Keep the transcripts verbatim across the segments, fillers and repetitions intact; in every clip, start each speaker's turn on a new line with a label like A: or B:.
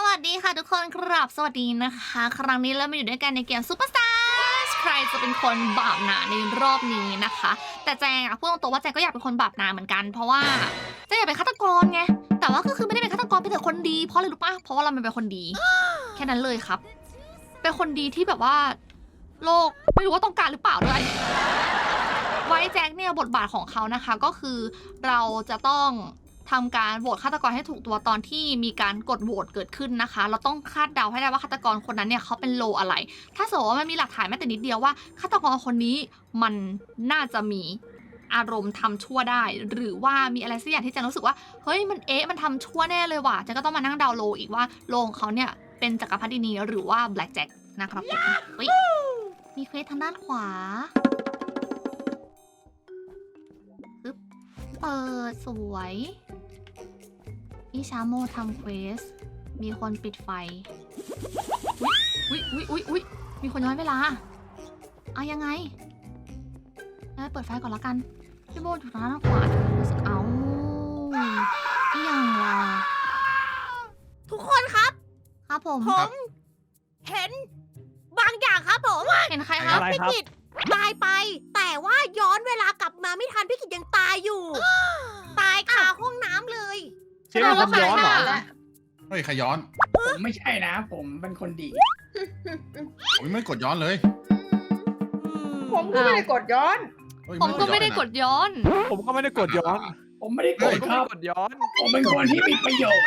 A: วัสดีค่ะทุกคนครับสวัสดีนะคะครั้งนี้เรามาอยู่ด้วยกันในเกมซูเปอร์สตาร์ใครจะเป็นคนบาปหนาในรอบนี้นะคะแต่แจงอะพูดตรงๆว่าแจงก็อยากเป็นคนบาปหนาเหมือนกันเพราะว่าแจงอยากเป็นฆาตกรไงแต่ว่าก็คือไม่ได้เป็นฆาตกรเป็นแต่คนดีเพราะอะไรรู้ปะเพราะว่าเราเป็นคนดี แค่นั้นเลยครับเป็นคนดีที่แบบว่าโลกไม่รู้ว่าต้องการหรือเปล่าด้วยไว้แจ็คเนี่ยบทบาทของเขานะคะก็คือเราจะต้องทำการโหวตฆาตกรให้ถูกตัวตอนที่มีการกดโหวตเกิดขึ้นนะคะเราต้องคาดเดาให้ได้ว่าฆาตกรคนนั้นเนี่ยเขาเป็นโลอะไรถ้าสมมติว่ามันมีหลักฐานแม้แต่นิดเดียวว่าฆาตกรคนนี้มันน่าจะมีอารมณ์ทำชั่วได้หรือว่ามีอะไรสักอย่างที่แจงรู้สึกว่าเฮ้ยมันเอ๊ะมันทำชั่วแน่เลยว่ะแจงก็ต้องมานั่งเดาโลอีกว่าโลของเขาเนี่ยเป็นจักรพรรดินีหรือว่าแบล็กแจ็คนะครับผมมีเควสทางด้านขวาปึ๊บเปิดสวยพี่ชาโมทำเควสมีคนปิดไฟอุ๊ยอุ๊ยอุ๊ยอุ๊ยมีคนย้อนเวลาเอายังไงเปิดไฟก่อนแล้วกันพี่โบอยู่ทางด้านขวารู้สึกเอาอีหยังล่ะ
B: ทุกคนครับ
A: ครับผม
B: ผมเห็นบางอย่างครับผม
A: เห็นใครครับ
C: อะไร
B: พี่
C: ครับ
B: กิตตายไป แต่ว่าย้อนเวลากลับมาไม่ทันพี่กิตยังตายอยู่ ตายคาห้องน้ำเลย
C: เชฟเป็นคนย้อนเหรอ
D: เฮ้ยใครย้อน
E: ผมไม่ใช่นะ ผมเป็นคนดี
D: ผมไม่กดย้อนเลย
F: ผมก็ไม่ได้กดย้อน
D: เฮ้ย
A: ผมก็ไม่ได้กดย้อน
C: ผมก็ไม่ได้กดย้อน
E: ผมไม่ได้โก
C: ผ
E: ร
C: ม
E: ธ
C: ก็
E: ค
C: ไม่
E: รับ
C: ได้กดย้อน
E: ผมเป็นคนที่มีประโยชน์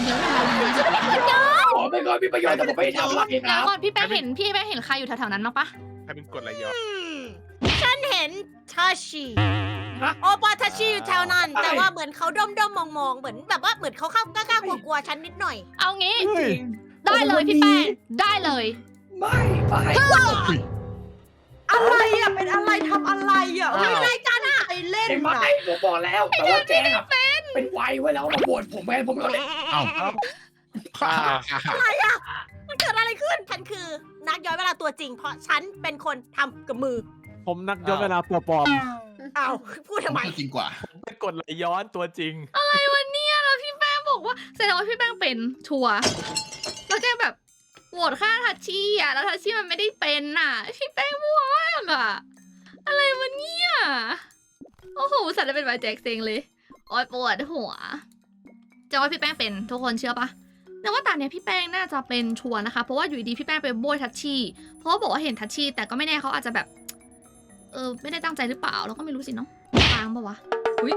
E: ผมเป็นคนมีประโยชน์แต่ผมไม่ได้ทำอะไรค
A: แล้
E: รั
A: ว
E: บ
A: ก่อนพี่แป้งเห็นพี่แป้งเห็นใครอยู่แถวๆนั้นมั้งปะ
C: ใครเป็นกดอะไรย้อน
B: อืมฉันเห็นทาชิโอปาทาชิอยู่แถวนั้น แต่ว่าเหมือนเขาด้อมด้อมมองๆ เหมือนแบบว่าเหมือนเขาเข้ากล้าๆกลัวๆฉันนิดหน่อย
A: เอางี้
C: เฮ้ย
A: ได้เลยพี่แป้งได้เลย
E: ไม่ไม่
F: อะไรอ่ะ เป็นอะไรทำอะไรอ่ะ
A: อ้าว
F: ไม่ได้กันอ่ะไปเล่น
E: ไอ้
F: อ่ะ
E: ไม่ผมบอกแล้ว แต่ว่าแกอะเป็นไวไว้แล้วมาบวชผมไงผมก็เลย
D: เอ้า
B: อะไรอ่ะ มันเกิดอะไรขึ้น ฉันคือนักย้อนเวลาตัวจริง เพราะฉันเป็นคนทำกับมือ
C: ผมนักย้อนเวลาตัวปลอม
B: อ้าวพูดทำไม
D: จริงกว่า
C: ผมเป็นกดไหลย้อนตัวจริง
A: อะไรวะเนี่ยแล้วพี่แป้งบอกว่าแสดงว่าพี่แป้งเป็นชัวร์แล้วแกแบบโหวตฆ่าทัชชี่อ่ะแล้วทัชชี่มันไม่ได้เป็นน่ะพี่แป้งมั่วมากอ่ะอะไรวะเนี่ยโอ้โหสัตว์จะเป็นไวแจ็คเซ็งเลยโอ๊ยปวดหัวจะว่าพี่แป้งเป็นทุกคนเชื่อปะแต่ว่าตอนเนี้ยพี่แป้งน่าจะเป็นชัวร์นะคะเพราะว่าอยู่ดีๆพี่แป้งไปโบยทัชชี่เพราะว่าบอกว่าเห็นทัชชี่แต่ก็ไม่แน่เขาอาจจะแบบเออไม่ได้ตั้งใจหรือเปล่าเราก็ไม่รู้สิเนาะทางปะวะอุ้ย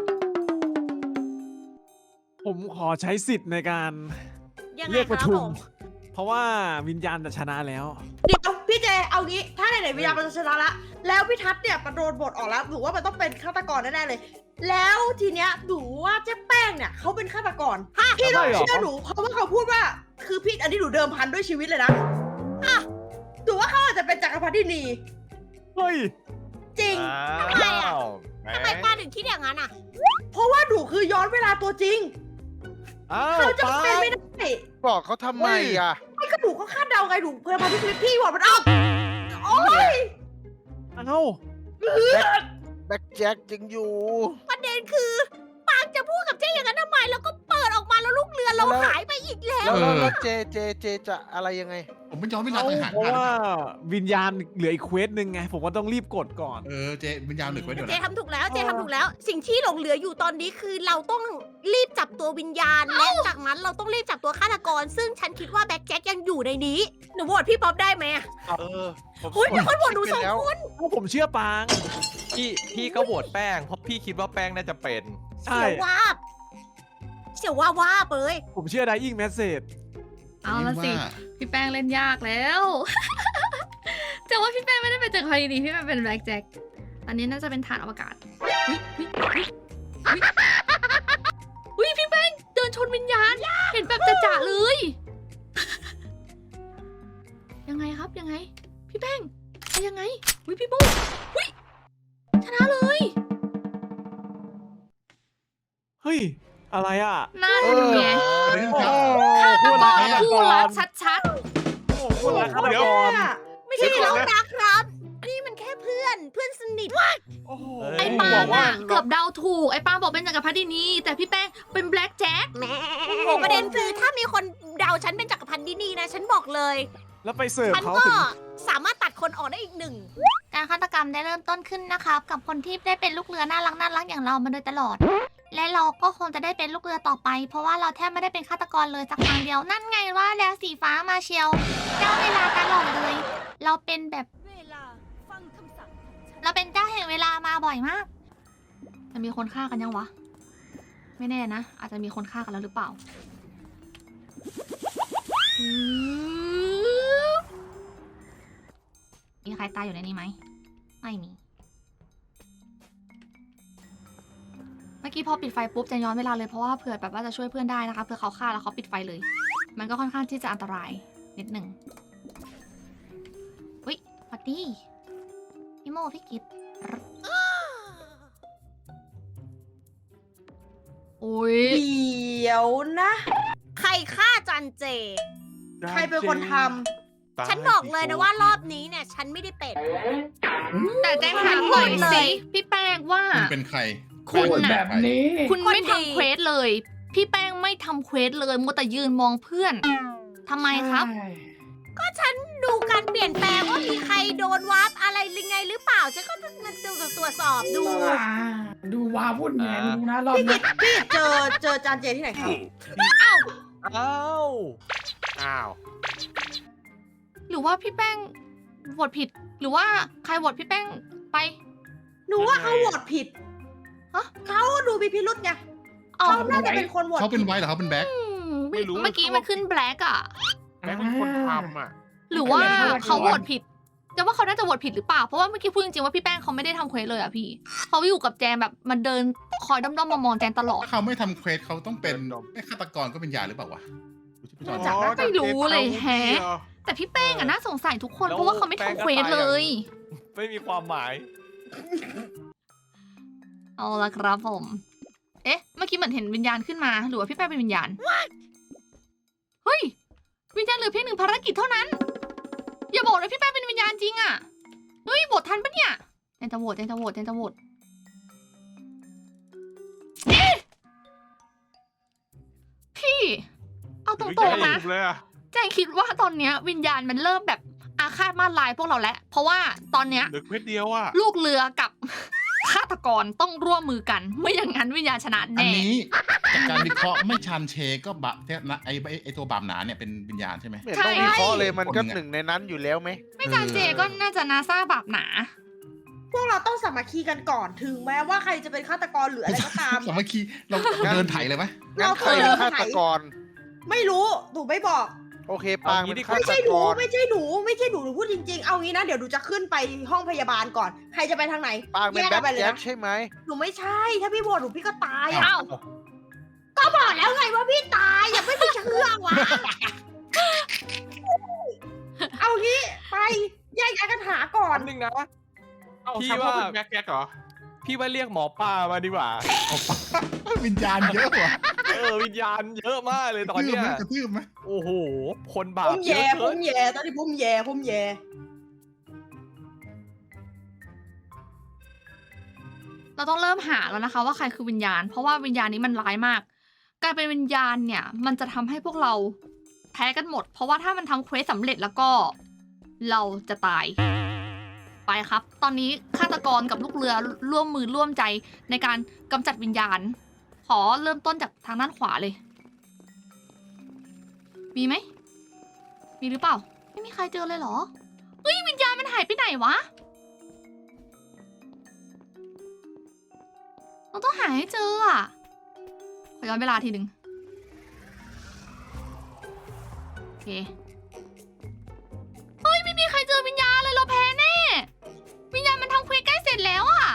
C: ผมขอใช้สิทธิ์ในการ
B: ยังไง
C: เรียก
B: ค
C: ประ
B: รับ
C: ชุ
B: ผม ม
C: เพราะว่าวิญญาณจะชนะแล้ว
F: เดี๋ยวพี่เจเอางี้ ถ้าไหนๆวิญญาณมันจะชนะละ แล้วพี่ทัศน์เนี่ยมันโดนบทออกแล้วหนูว่ามันต้องเป็นฆาตกรแน่ๆเลย แล้วทีเนี้ยหนูว่าเจ๊แป้งเนี่ยเขาเป็นฆาตกรพี่ต้อง
C: ใช่เหรอ
F: เชื่อหนูเพราะว่าเขาพูดว่า คือพี่อันนี้หนูเดิมพันด้วยชีวิตเลยนะอ่ะหนูว่าเขาอาจจะเป็นจักรพรรดินี
C: เฮ้ย
F: จริง
B: ทำไมอ่ะทำไมป้าถึงคิดอย่างนั้นอ่ะ
F: เพราะว่าหนูคือย้อนเวลาตัวจริง
C: อ้าว
F: เขาจะ
C: ปา
F: เป็น
C: ล์ม
F: ไม่ได้
G: บอกเขาทำไมอ่ะ
F: ไม่ก็หนูก็คาดเดาไงหนูเพื่อมาที่ชีวิตพี่หมดมันเอาโอ๊ย
C: เอ้า
G: แบ็คแจ็คยังอยู่
B: ประเด็นคือปางจะพูดกับเจ๊อย่างนั้นทำไม แล้วก็เปิดออกมาแล้วลูกเรือเรา
G: แล้ว
B: หายไปอีกแล้ว
G: แล้ว
D: เออ
G: แล้วเจเจเจจะอะไรยังไง
D: ผมไม่ย้อนเวลา
C: เอ้า
D: ต่างหาก
C: เพราะว่าวิญญาณเหลืออีกเควสหนึ่งไง ผมก็ต้องรีบกดก่อน
D: เออเจวิญญาณเหลือไว้เดี๋ยว
B: เจ
D: นะ
B: ทำถูกแล้วเจทำถูกแล้ว สิ่งที่หลงเหลืออยู่ตอนนี้คือเราต้องรีบจับตัววิญญาณ และจากนั้นเราต้องรีบจับตัวฆาตกร ซึ่งฉันคิดว่าแบ็คแจ็คยังอยู่ในนี้ หนูโหวตพี่ป๊อปได้ไหมอะ
G: เออผม
B: เฮ้ยมีคนโหวตหนูสอง
G: แล้ว
B: คน
C: เพราะผมเชื่อปาง
H: พี่พี่ก็โหวตแป้งเพราะพี่คิดว่าแป้งน่าจะเป็น
C: ใช่
B: เสียววาบเสียววาบวาบเลย
C: ผมเชื่อไดอิงแมสเซจ
A: เอาละสิ พี่แป้งเล่นยากแล้ว จะว่าพี่แป้งไม่ได้เป็นจักรพรรดินีพี่แป้งเป็นแบล็กแจ็คอันนี้น่าจะเป็นฐานอวกาศวิวิวิวิวิพี่แป้งเดินชนวิญญาณ เห็นแบบจ่าๆเลย ยังไงครับยังไง พี่แป้งไปยังไงวิพี่โบวิชนะเลย
C: เฮ้ย อะไรอ่ะ
A: นั่นไง
D: เรื่อง
C: โอ้
D: ครับ
C: โห
A: ฆาต
C: พูด
A: ก
C: ละ
A: รคู่รักชัด
C: โอ้โหพูดละฆาตกร
B: ไม่ใช่เรานะครับ นี่มันแค่เพื่อนอนเพื่อนสนิท
C: โอ้โห
A: ไอ้ปาล์มอะเกือบเดาถูกไอ้ปาล์มบอกเป็นจักรพรรดินีแต่พี่แป้งเป็นแบล็กแจ็ค
B: แหมโอ้ประเด็นคือถ้ามีคนเดาฉันเป็นจักรพันธ์ดินีนะ ฉันบอกเลย
C: แล้วไปเสิร์ฟ
B: ฉัน
C: เขา
B: ก็
C: ถึง
B: สามารถตัดคนออกได้อีกหนึ่ง
A: การฆาตกรรมได้เริ่มต้นขึ้นนะครับ กับคนที่ได้เป็นลูกเรือน่ารักน่ารักอย่างเรามาโดยตลอด และเราก็คงจะได้เป็นลูกเรือต่อไป เพราะว่าเราแทบไม่ได้เป็นฆาตกรเลยสักครั้งเดียวนั่นไงว่าแล้วสีฟ้ามาเชียวเจ้าเวลาตลอดเลย เราเป็นแบบเราเป็นเจ้าแห่งเวลามาบ่อยมากจะมีคนฆ่ากันยังวะ ไม่แน่นะ อาจจะมีคนฆ่ากันแล้วหรือเปล่าอืมมีใครตายอยู่ในนี้ไหมไม่มี เมื่อกี้พอปิดไฟปุ๊บจะย้อนเวลาเลยเพราะว่าเผื่อแบบว่าจะช่วยเพื่อนได้นะคะเผื่อเขาฆ่าแล้วเขาปิดไฟเลย มันก็ค่อนข้างที่จะอันตรายนิดหนึ่งอุ้ยสวัสดีพี่โมพี่กิตโอ้ย
F: เดี๋ยวนะ
B: ใครฆ่าจันเจ
F: ใครเป็นคนท
B: ฉันบอกเลยนะว่ารอบนี้เนี่ย ฉันไม่ได้เป็น
A: แต่แจ้งถามหน่อยสิพี่แป้งว่า
D: คุณเป็นใคร
A: คุณ
E: พูดแบ
A: น่ะ
E: บนี้
A: คุณไม่ทำเควสเลย พี่แป้งไม่ทำเควสเลยมัวแต่ยืนมองเพื่อนทำไมครับ
E: ใช่
B: ก็ฉันดูการเปลี่ยนแปลงว่ามีใครโดนวาร์ปอะไรหรือไงหรือเปล่า ฉันก็มันตรวจสอบดู
E: อ่าดูว้าวุ่นไงดูนะรอบ
F: ำพี่
E: นี้
F: กิตพี่เจอเจอจานเจที่ไหนครับ
H: อ้าวอ้าว
A: หรือว่าพี่แป้งโหวตผิด หรือว่าใครโหวตพี่แป้งไป
F: หนูว่าเขาโหวตผิด
A: ฮะ
F: เขาดูมีพิรุษไง
A: อ๋อ
F: เขาน่าจะเป็นคนโหวต
D: เขาเป็น
F: ผิด
D: ไว้เหรอเขาเป็นแบ็ค
A: อืม
H: ไม่รู้
A: เมื่อกี้มันขึ้นแบล็กอะ
H: แม่งเป็นคนทำอ่ะ
A: หรือว่าเขาโหวตผิดจะว่าเขาน่าจะโหวตผิดหรือเปล่า เพราะว่าเมื่อกี้พูดจริงๆว่าพี่แป้งเขาไม่ได้ทำเควสเลยอะพี่ เขาอยู่กับแจมแบบมันเดินคอยด้อมๆมองๆแจมตลอด
D: ถ้าเขาไม่ทำเควสเขาต้องเป็นไม่ฆาตกรก็เป็นยาหรือเปล่าวะดูที่พี่จอน
F: จับได้
A: ไม่รู้เลยแฮะ แต่พี่แป้งอะน่าสงสัยทุกคนเพราะว่าเขาไม่ทำเควสเลย
H: ไม่มีความหมาย
A: เอาละครับผม เอ๊ะ เมื่อกี้เหมือนเห็นวิญญาณขึ้นมา หรือว่าพี่แป้งเป็นวิญญาณ เฮ้ย วิญญาณเหลือเพียงหนึ่งภารกิจเท่านั้น อย่าบอกเลยพี่แป้งเป็นวิญญาณจริงอะเฮ้ยโหวตทันปะเนี่ยแจนจะโหวตแจนจะโหวตแจนจะโหวตเอ๊ะพี่ เอาตรงๆนะ
H: เลยอ่ะ
A: แจงคิดว่าตอนเนี้ยวิญญาณมันเริ่มแบบอาฆาตมาลายพวกเราแล้ว เพราะว่าตอนเนี้ย
H: เหลือเควสเดียวอ่ะ
A: ลูกเรือกับ ฆาตกรต้องร่วมมือกัน ไม่อย่างนั้นวิญญาณชนะ
D: อัน
A: แน่
D: นี้จากการวิเคราะห์ไม่ชันเชก็บะเนี่ยนะไอไอ้ไอตัวบาปหนาเนี่ยเป็นวิญญาณใช่ไหม
G: ไม่เห็นต้องวิเคราะห์เลยมันก็หนึ่งในนั้นอยู่แล้วไหม
A: ไม่จานเจก็น่าจะนาซาบาปหนา
F: พวกเราต้องสามัคคีกันก่อนถึงแม้ว่าใครจะเป็นฆาตกรหรืออะไรก็ตาม
D: สามัคคีเราเดินไถเลยไหม
G: งั้นใครเป็นฆาตกร
F: ไม่รู้หนูไม่บอก
G: โอเคปางเป็นฆา
F: ไม่
G: ต
F: ใช่ห
G: ก
F: นู
G: ร
F: ไม่ใช่หนูไม่ใช่หนูหนูพูดจริงๆ เอางี้นะเดี๋ยวหนูจะขึ้นไปห้องพยาบาลก่อน ใครจะไปทางไหน
G: ปางเป็น
F: แยก
G: แบ็
F: กั
G: คน
F: ไปเลย
G: แจ็ค
F: นะ
G: ใช่ไหม
F: หนูไม่ใช่ ถ้าพี่โหวตหนูพี่ก็ตายอ่ะ
A: เอ้า
F: ก็บอกแล้วไงว่าพี่ตายอย่าไม่ไปเชื่อวะ เอางี้ไปแยกย้ายกันหาก่อน
H: อันหนึ่งนะ พี่
D: พี่
H: ว่า
D: ว่าแบ็คแจ็คเหรอ
H: พี่ว่าเรียกหมอป้ามาดีกว่า
D: วิญญาณเยอะว่ะ
H: เออวิญญาณเยอะมากเลยตอนเนี้ย
D: กระทืบไหม
H: โอ้โห คนบา
F: ผ
H: ป
F: ม
H: เย
F: แย่
H: อะ
F: ผ
H: เกิน
F: มแย่ตอนนี้ผมแย่ผมแย่
A: เราต้องเริ่มหาแล้วนะคะ ว่าใครคือวิญญาณ เพราะว่าวิญญาณนี้มันร้ายมาก การเป็นวิญญาณเนี่ย มันจะทำให้พวกเราแพ้กันหมด เพราะว่าถ้ามันทำเควสสำเร็จแล้วก็เราจะตาย ไปครับ ตอนนี้ฆาตกรกับลูกเรือร่วมมือร่วมใจในการกำจัดวิญญาณ ขอเริ่มต้นจากทางด้านขวาเลย มีไหม มีหรือเปล่า ไม่มีใครเจอเลยเหรอ เฮ้ยวิญญาณมันหายไปไหนวะ เราต้องหาให้เจออ่ะ ขอย้อนเวลาทีหนึ่งโอเค เฮ้ย ไม่มีใครเจอวิญญาณเลยเราแพ้แน่ วิญญาณมันทำเควสใกล้เสร็จแล้วอ่ะ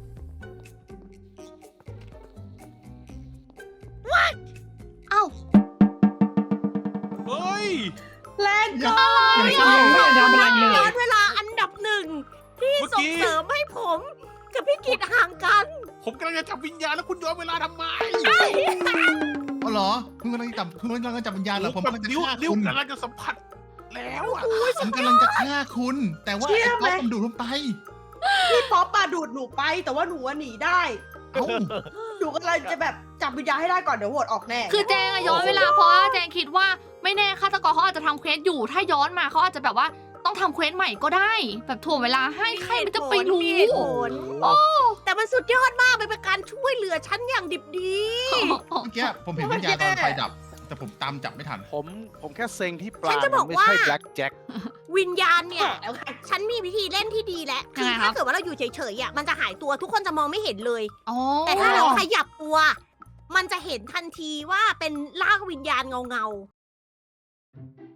A: What เอ้า
H: เฮ้ย
F: แรงเกิน
E: ไม่ใช่ไม่ได้ทำอะไรเลย
B: ย้อนเวลาอันดับหนึ่งที่
H: เมื่อ
B: ส่
H: กี้
B: งเสริมให้ผม กับพี่กิจห่างกัน
D: ผมกำลังจะจับวิญญาณแล้วคุณย้อนเวลาทำไมอ๋อเหรอคุณกำลังจับคุณกำลังจะจับวิญญาณเหรอผมกำลังจะฆ่าคุณ
H: กำลังจะสัมผัสแล้วอ่ะ
D: ผมกำลังจะฆ่าคุณ แต่ว่าไอ้ก๊อฟมันดูดลงไป
F: พี่ป๊อปมาดูดหนูไป แต่ว่าหนูว่าหนีได้
D: เอ้า
F: หนูก็เลยจะแบบจับวิญญาณให้ได้ก่อนเดี๋ยวโหวตออกแน่
A: คือแจงอะย้อนเวลาเพราะว่าแจงคิดว่าไม่แน่ฆาตกรเขาอาจจะทำเควสอยู่ ถ้าย้อนมาเขาอาจจะแบบว่าต้องทำเควสใหม่ก็ได้ แบบถ่วงเวลาให้ใครมันจะไปรู้
B: มีเหตุผลแต่มันสุดยอดมากมันเป็นการช่วยเหลือฉันอย่างดิบดี
D: เมื่อกี้ผมเห็นวิญญาณตอนไฟดับ แต่ผมตามจับไม่ทัน
G: ผมผมแค่เซ็งที่ปลา
B: ฉันจะบอก
G: ไม่
B: ว่า
G: ใช่แบล็กแจ็ค
B: วิญญาณเนี่ย ฉันมีวิธีเล่นที่ดีแล้วคือ
A: ยังไงครับ
B: ถ้าเกิดว่าเราอยู่เฉยๆอ่ะมันจะหายตัวทุกคนจะมองไม่เห็นเลย
A: อ๋อ
B: แต่ถ้าเราขยับตัว มันจะเห็นทันทีว่าเป็นร่างวิญญาณเงาๆ